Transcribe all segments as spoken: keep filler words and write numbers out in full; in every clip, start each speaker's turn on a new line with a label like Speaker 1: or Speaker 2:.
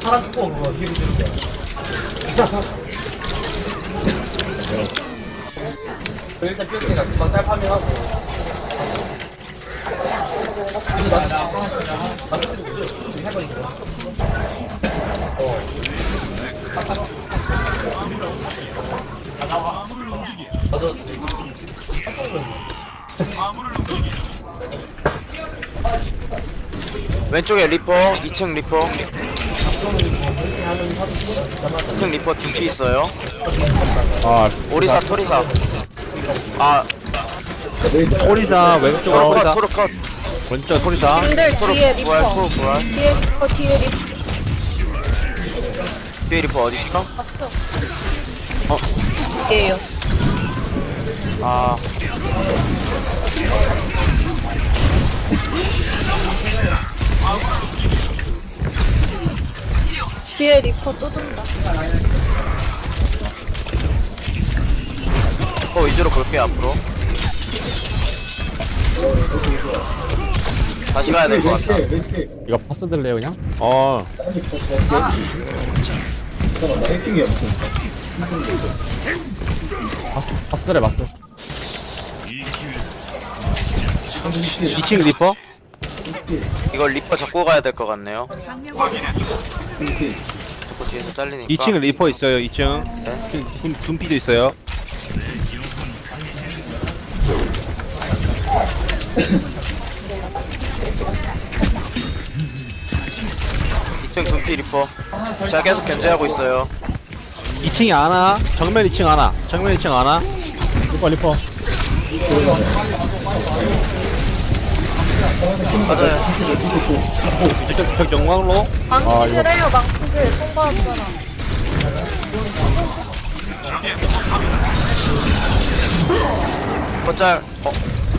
Speaker 1: 사람 죽고 그거 뒤로 들게. 일단 뛸때가 금방 짤 파밍하고. 이거 나, 나, 해버리고. 어. 나도
Speaker 2: 왼쪽에 리퍼, 이 층 리퍼. 이 층 리퍼 두 피 있어요.
Speaker 3: 아,
Speaker 2: 오리사, 토리사. 아,
Speaker 3: 토리사 왼쪽으로
Speaker 2: 토르 컷,
Speaker 3: 토리사
Speaker 2: 토르 컷.
Speaker 3: 왼쪽 토리사
Speaker 4: 님들
Speaker 2: 토르
Speaker 4: 뒤에
Speaker 2: 부활,
Speaker 4: 리퍼
Speaker 2: 토르 부활.
Speaker 4: 뒤에 리퍼 뒤에 리퍼
Speaker 2: 뒤에 리퍼 어디 있어?
Speaker 4: 왔어
Speaker 2: 어.
Speaker 4: 뒤에요
Speaker 2: 아,
Speaker 4: 뒤에 리퍼 또 돈다
Speaker 2: 어 위주로 볼게요 앞으로. 다시 가야 될 것 같다.
Speaker 3: 이거 파스 들래요 그냥? 어 파스, 파스 들래 파스 이 층 리퍼?
Speaker 2: 이걸 리퍼 잡고 가야 될 것 같네요. 자꾸 뒤에서 잘리니까.
Speaker 5: 이 층 리퍼 있어요. 이 층.
Speaker 2: 네.
Speaker 5: 둠, 둠피도 있어요.
Speaker 2: 이 층 둠피 리퍼. 제가 계속 견제하고 있어요.
Speaker 5: 이 층이 하나. 정면 이 층 하나. 정면 이 층 하나.
Speaker 3: 리퍼 리퍼
Speaker 2: 맞아요.
Speaker 5: 저쪽 저 정광로.
Speaker 4: 망치질 해요 망치질 통과하잖아
Speaker 2: 거짤. 어,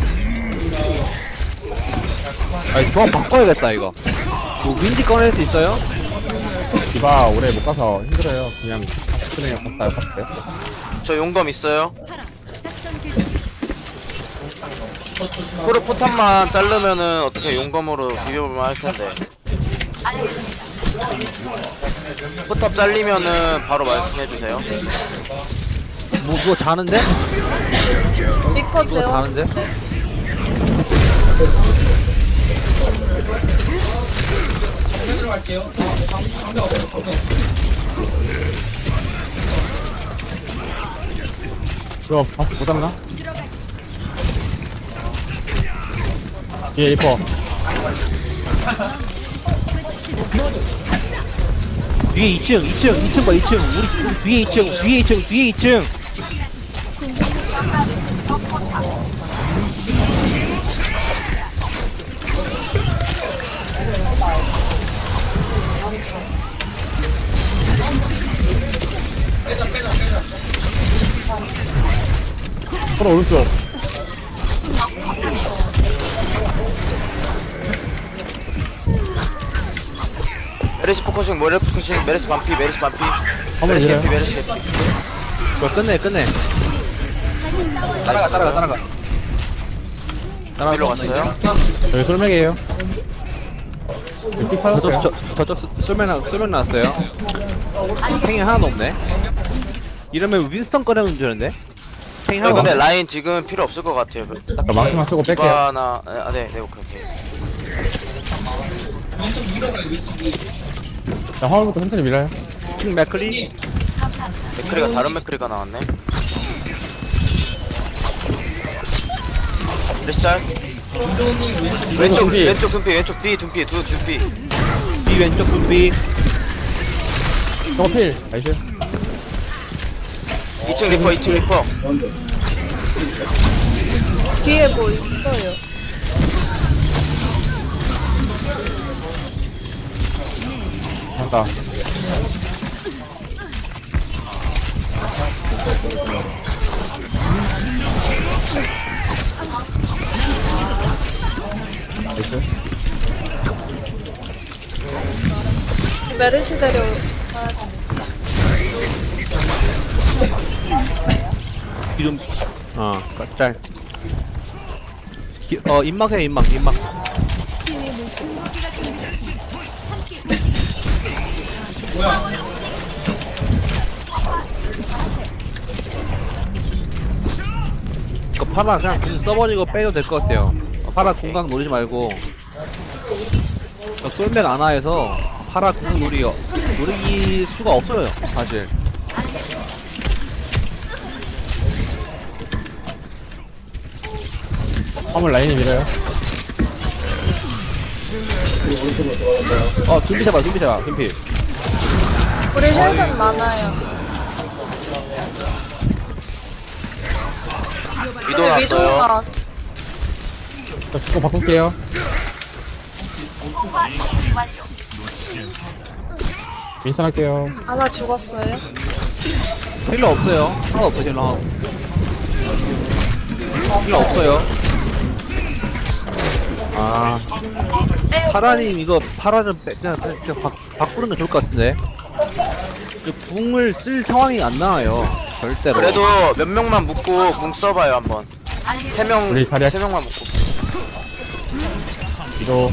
Speaker 5: 아니 조합 바꿔야겠다 이거. 뭐 윈디 꺼낼 수 있어요?
Speaker 3: 디바 오래 못 가서 힘들어요 그냥 그냥 파스 타요 파스
Speaker 2: 저 용검 있어요. 포르 포탄만 자르면은 어떻게 용검으로 비벼보면 할 텐데. 포탑 잘리면은 바로 말씀해 주세요.
Speaker 5: 뭐 그거 자는데?
Speaker 4: 리퍼
Speaker 5: 그거
Speaker 4: 재워
Speaker 5: 자는데?
Speaker 3: 이거 파스 못 잡나? 뒤에 리퍼
Speaker 5: 뒤에 이 층, 이 층, 이 층 봐, 이 층. 우리, 우리 뒤에 이 층, 뒤에 이 층, 뒤에 이 층.
Speaker 3: 서로 오른쪽
Speaker 2: 메르시 포커싱, 모레 포커싱, 메르시 반피, 메르시 반피.
Speaker 3: 한번
Speaker 2: 메르시
Speaker 3: 내려요
Speaker 2: 개피, 메르시 개피.
Speaker 5: 이거 끝내, 끝내. 따라가, 따라가, 따라가.
Speaker 2: 일로 갔어요.
Speaker 3: 여기 솔맥이에요 여기 픽
Speaker 5: 저쪽,
Speaker 3: 받았어요
Speaker 5: 저, 저쪽 쏠면, 나- 쏠면 나왔어요. 탱이 하나도 없네. 이러면 윈스턴 꺼내면 되는데? 탱이
Speaker 2: 네,
Speaker 5: 하나도
Speaker 2: 근데
Speaker 5: 없네.
Speaker 2: 라인 지금 필요 없을 것 같아요.
Speaker 3: 자, 망치만 쓰고 뺄게요
Speaker 2: 디바나, 아, 네, 네, 오케이, 오케이.
Speaker 3: 자 화물부터 천천히 밀어요
Speaker 5: 킹 맥클리.
Speaker 2: 맥크리가 다른 맥크리가 나왔네. 메르시 짤. 왼쪽,
Speaker 3: 둠피.
Speaker 2: 왼쪽 둠피, 왼쪽 뒤 둠피, 두 둠피.
Speaker 5: 뒤 왼쪽 둠피.
Speaker 3: 저거 필 나이스
Speaker 2: 이 층 리퍼, 이 층 리퍼.
Speaker 4: 뒤에 뭐 있어요
Speaker 3: 간다
Speaker 4: 메르시 데려
Speaker 5: 이름, 어, 짤. 기, 어, 입막해, 입막, 입막. 파라 그냥 계속 써버리고 빼도 될 것 같아요. 어, 파라 공각 노리지 말고. 저 솔맥 안하에서 파라 공각 노리 노릴 수가 없어요 사실.
Speaker 3: 화물 라인이 밀어요.
Speaker 5: 어 둠피 잡아 둠피 잡아 둠피.
Speaker 4: 우리 헬은 많아요.
Speaker 2: 위도
Speaker 4: 근데 위도우
Speaker 2: 났어요.
Speaker 4: 나왔어.
Speaker 3: 저 축구 바꿀게요. 윈선 할게요.
Speaker 4: 하나 죽었어요.
Speaker 5: 힐러 없어요. 하나 없어 힐러. 힐러 없어요.
Speaker 3: 아,
Speaker 5: 파라님 이거 파라는 빼, 그냥, 그냥, 그냥 바, 바꾸는 게 좋을 것 같은데. 그 궁을 쓸 상황이 안 나와요. 절대로.
Speaker 2: 그래도 몇 명만 묶고 궁 써봐요 한번. 세 명,
Speaker 3: 우리 자리야.
Speaker 2: 세 명만 묶고.
Speaker 3: 위도.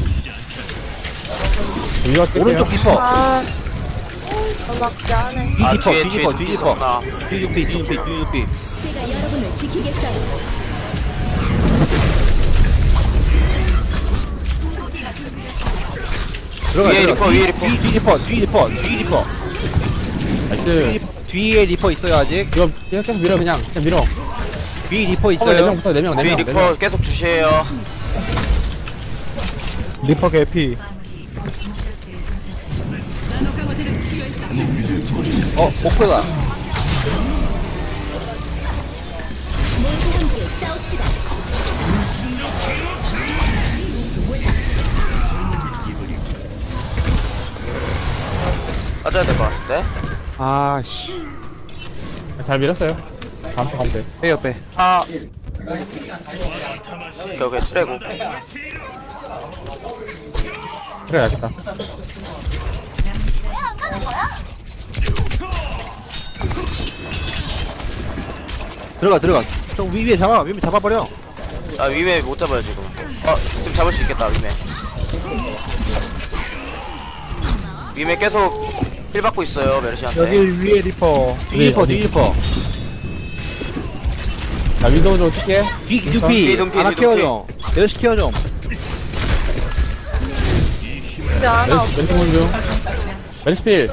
Speaker 3: 위로 뛸게요.
Speaker 5: 오른쪽 디퍼.
Speaker 4: 아, 전락지 안해.
Speaker 5: 뒤
Speaker 2: 아
Speaker 5: 디퍼,
Speaker 2: 뒤에
Speaker 5: 뒤
Speaker 2: 뒤에
Speaker 5: 디퍼,
Speaker 2: 뒤
Speaker 5: 뒤 디퍼.
Speaker 2: 있었나?
Speaker 5: 뒤 디피, 뒤 디피, 뒤 디피.
Speaker 6: 제가 여러분을 지키겠어요.
Speaker 5: 들어가,
Speaker 2: 위에
Speaker 5: 들어가.
Speaker 2: 리퍼,
Speaker 5: 뒤,
Speaker 2: 위에 리퍼.
Speaker 5: 뒤, 뒤 디퍼, 뒤 디퍼, 뒤 디퍼.
Speaker 3: 나이스.
Speaker 5: 뒤에 리퍼 있어요 아직.
Speaker 3: 이거 계속 밀어, 그냥. 그냥 밀어.
Speaker 5: 뒤 리퍼
Speaker 3: 화물 네
Speaker 5: 있어요.
Speaker 3: 명 붙어, 네 명, 네
Speaker 2: 뒤에
Speaker 3: 명. 네
Speaker 2: 리퍼
Speaker 3: 명.
Speaker 2: 계속 주시해요.
Speaker 7: 리퍼 개피.
Speaker 5: 어, 목표다.
Speaker 6: 모두 함께 싸웁시다.
Speaker 2: 빠져야 될 것 같은데.
Speaker 5: 아, 씨.
Speaker 3: 잘 밀었어요. 다음 거 가면 돼.
Speaker 5: 빼요, 빼.
Speaker 2: 아. 오케이 오케이 빼고.
Speaker 3: 그래, 알겠다.
Speaker 5: 들어가, 들어가. 형 위에 잡아, 위에 잡아버려.
Speaker 2: 아 위메 못 잡아요 지금. 어 지금 잡을 수 있겠다 위메. 위메 계속 힐 받고 있어요 메르시한테.
Speaker 7: 여기 위에 리퍼.
Speaker 5: 뒤 리퍼, 뒤 리퍼.
Speaker 3: 자, 위도 좀 뛸게.
Speaker 5: 뒤,
Speaker 2: 뒤
Speaker 5: 두피.
Speaker 2: 눈피,
Speaker 5: 하나
Speaker 2: 뒤
Speaker 5: 케어
Speaker 2: 눈피.
Speaker 5: 좀. 내려시 케어 좀.
Speaker 4: 근데 하나 없어.
Speaker 3: 왼쪽 중. 왼스필.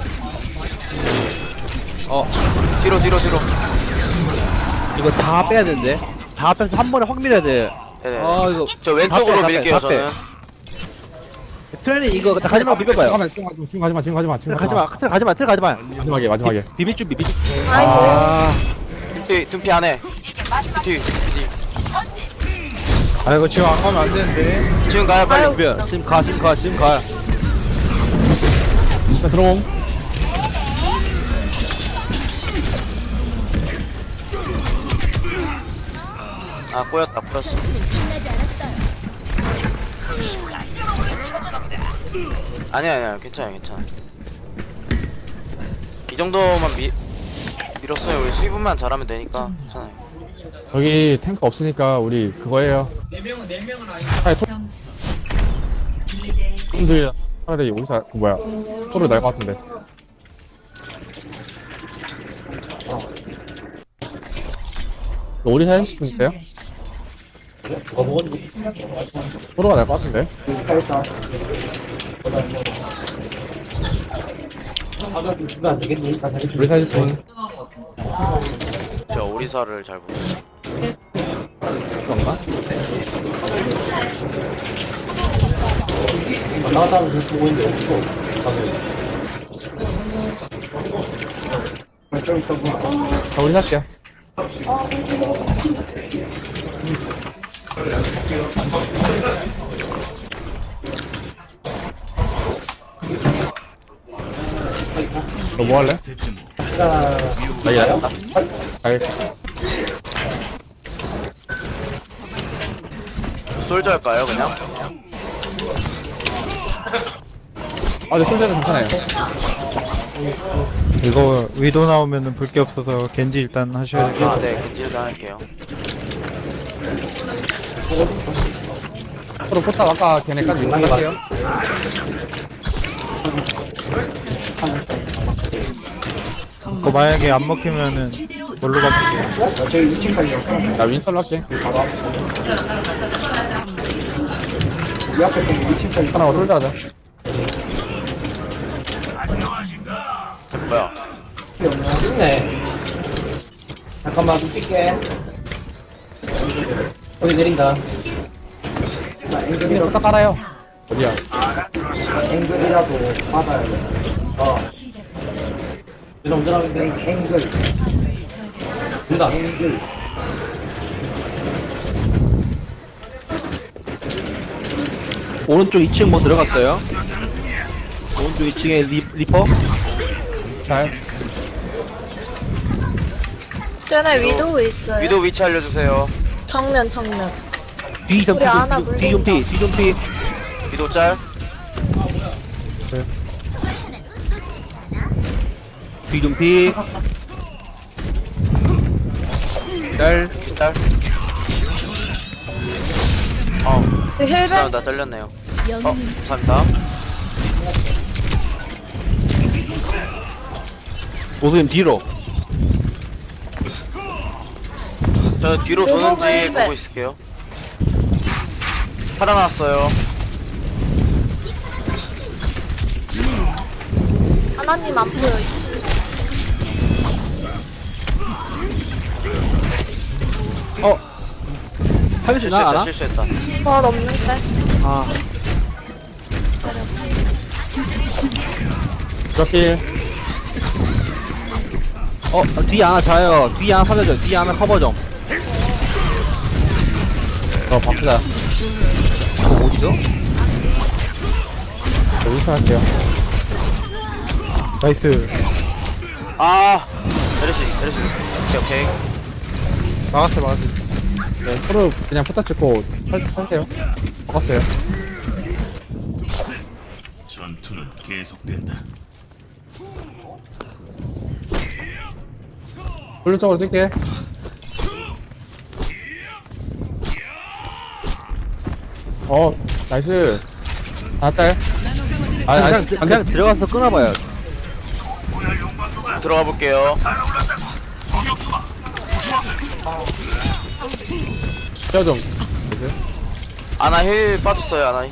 Speaker 5: 어,
Speaker 2: 뒤로 뒤로 뒤로.
Speaker 5: 이거 다 빼야 되는데. 다 빼서 한 번에 확 밀어야 돼.
Speaker 2: 네네.
Speaker 5: 아, 이거.
Speaker 2: 저 왼쪽으로
Speaker 5: 다 빼, 다
Speaker 2: 밀게요
Speaker 5: 빼, 다 빼.
Speaker 2: 저는.
Speaker 5: 트레이 이거 다 가지마 비벼봐요.
Speaker 3: 잠깐만, 지금 가지마, 지금 가지마, 지금 가지마, 지금
Speaker 5: 가지마, 트레 가지마, 트레 가지마.
Speaker 3: 마지막에, 마지막에.
Speaker 5: 비빌 준비, 비빌.
Speaker 4: 아이고.
Speaker 5: 아,
Speaker 2: 둠피 둠피 안에. 뒤. 뒤.
Speaker 7: 아 이거 지금 안 가면 안 되는데.
Speaker 2: 지금 가요 빨리.
Speaker 4: 아유.
Speaker 5: 비벼. 지금 가, 지금 가, 지금 가.
Speaker 3: 자, 들어옴.
Speaker 2: 아 꼬였다 꼬였어.
Speaker 6: 끝나지 않았어요.
Speaker 2: 아니야 아니야 괜찮아요 괜찮아. 이 정도만 미 밀었어요. 우리 수입만 잘하면 되니까 괜찮아요.
Speaker 3: 여기 탱크 없으니까 우리 그거예요. 차라리 손들 차라리 여기서 그 뭐야 소를 날 것 같은데. 오리 사연 싶은데요? 소로가 날 것 같은데. 우리 사연 싶은
Speaker 2: 저 오리사를 잘 보고.
Speaker 3: 건가? 자, 우리 살게요. 너 뭐 할래? 나 이래? 알겠어.
Speaker 2: 솔저 할까요 그냥?
Speaker 3: 아, 근데 솔저는 괜찮아요.
Speaker 7: 이거 위도 나오면은 볼 게 없어서 겐지 일단 하셔야 될 것 같아요.
Speaker 2: 아네 겐지를 할게요.
Speaker 3: 서로 포탑 아까 걔네까지 할게요.
Speaker 7: 그거 만약에 안 먹히면은 뭘로 바꾸게?
Speaker 3: 나 윈스턴 할게. 하나 솔드 하자.
Speaker 2: 뭐야?
Speaker 1: 있네. 잠깐만, 좀 뛸게. 여기 내린다.
Speaker 3: engl 딱 깔아요. 어디야?
Speaker 1: 앵글이라도 받아야 돼. 어. 이런 운전하는데 앵글. 된다. 앵글.
Speaker 5: 오른쪽 이 층 뭐 들어갔어요? 오른쪽 이 층에 리, 리퍼?
Speaker 3: 잘.
Speaker 4: 쟤네 위도우 있어요.
Speaker 2: 위도 위치 알려주세요.
Speaker 4: 정면 정면.
Speaker 5: 뒤 좀
Speaker 4: 우리 아나
Speaker 5: 피, 뒤 좀 피, 뒤 좀 피.
Speaker 2: 위도 짤.
Speaker 5: 뒤 좀 피. 짤.
Speaker 2: 짤. 어,
Speaker 4: 그 힐벤
Speaker 2: 죄송합니다. 잘렸네요. 어,
Speaker 6: 영웅
Speaker 2: 감사합니다.
Speaker 5: 오수님 뒤로.
Speaker 2: 저 뒤로
Speaker 4: 리모브
Speaker 2: 도는지
Speaker 4: 헬멧.
Speaker 2: 보고 있을게요. 살아났어요.
Speaker 4: 하나님 안 보여.
Speaker 5: 어. 살릴 수 있나?
Speaker 2: 실수했다,
Speaker 5: 알아?
Speaker 2: 실수했다.
Speaker 4: 벌 없는데.
Speaker 5: 아.
Speaker 3: 저기
Speaker 5: 어, 뒤에 하나 자요. 뒤에 하나 살려줘. 뒤에 하나 커버 좀.
Speaker 3: 저 바꾸자.
Speaker 5: 그거 어디죠?
Speaker 3: 저 윈스턴 할게요.
Speaker 7: 나이스.
Speaker 2: 아, 메르시, 메르시. 오케이, 오케이.
Speaker 7: 막았어 막았어.
Speaker 3: 네, 서로 그냥 포탑 찍고 설, 설게요. 바꿨어요.
Speaker 8: 전투는 계속된다.
Speaker 3: 블루 쪽으로 찍게. 어, 나이스. 나딸. 아,
Speaker 5: 그냥,
Speaker 3: 나이스.
Speaker 5: 그냥, 그냥 들어가서 끊어봐요.
Speaker 2: 들어가 볼게요.
Speaker 3: 저 좀.
Speaker 2: 아나 힐 빠졌어요, 아나 힐.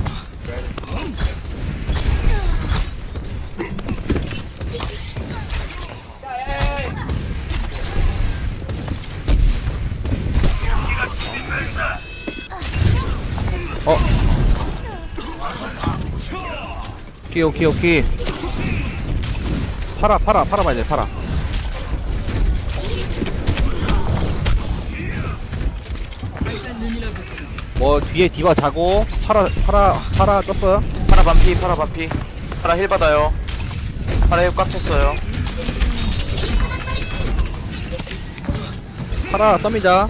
Speaker 5: 어. 오케이, 오케이, 오케이. 팔아, 팔아, 팔아봐야 돼, 팔아. 뭐, 뒤에 디바 자고, 팔아, 팔아, 팔아 떴어요?
Speaker 2: 파라 반피, 파라 반피. 파라 힐 받아요. 파라 힐 꽉 찼어요.
Speaker 5: 팔아, 썸이자.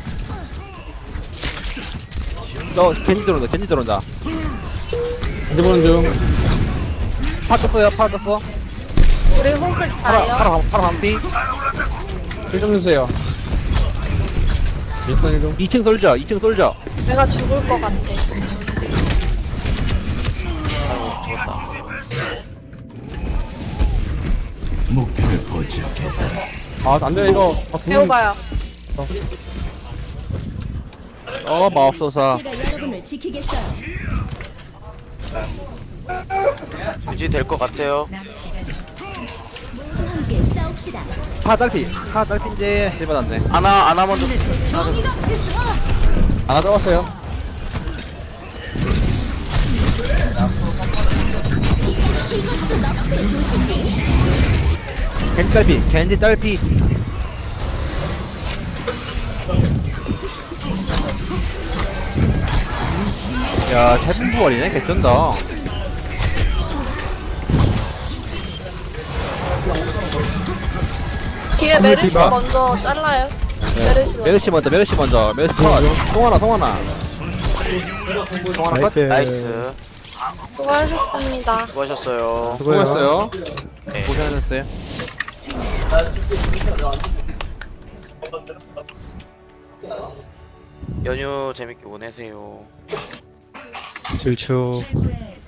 Speaker 5: 저, 겐지 들어온다, 겐지 들어온다.
Speaker 3: 이제 보는 중.
Speaker 5: 파 떴어요, 파 떴어.
Speaker 4: 우리 호그
Speaker 5: 팔아,
Speaker 4: 가요.
Speaker 5: 팔아, 팔아 반피.
Speaker 3: 힐좀 주세요. 윈스턴 힐 좀.
Speaker 5: 이 층 솔져, 이 층 솔져.
Speaker 4: 내가 죽을 것 같아.
Speaker 8: 목표를 포착했다.
Speaker 3: 아, 안 돼, 이거. 아, 궁-
Speaker 4: 배워봐요.
Speaker 5: 어, 마법소사.
Speaker 6: 제가 여러분을 지키겠어요.
Speaker 2: 유지될 것 같아요.
Speaker 6: 모두 함께 싸웁시다.
Speaker 5: 파 딸피, 파 딸피인데, 힐 받았네.
Speaker 2: 아나, 아나 먼저.
Speaker 6: 정의가
Speaker 3: 하나 잡았어요.
Speaker 5: 겐지 딸피, 겐지 딸피. 야, 세분부월이네, 개쩐다.
Speaker 4: 뒤에 메르시
Speaker 3: 디바.
Speaker 4: 먼저 잘라요. 메르시 먼저.
Speaker 5: 메르시 먼저, 메르시 먼저, 메르시 컷. 송하나, 송하나. 송하나 컷.
Speaker 7: 나이스.
Speaker 2: 나이스.
Speaker 4: 수고하셨습니다.
Speaker 2: 수고하셨어요.
Speaker 7: 수고해요.
Speaker 5: 수고했어요.
Speaker 2: 네.
Speaker 5: 고생하셨어요.
Speaker 2: 연휴 재밌게 보내세요.
Speaker 7: 질추.
Speaker 6: 최고의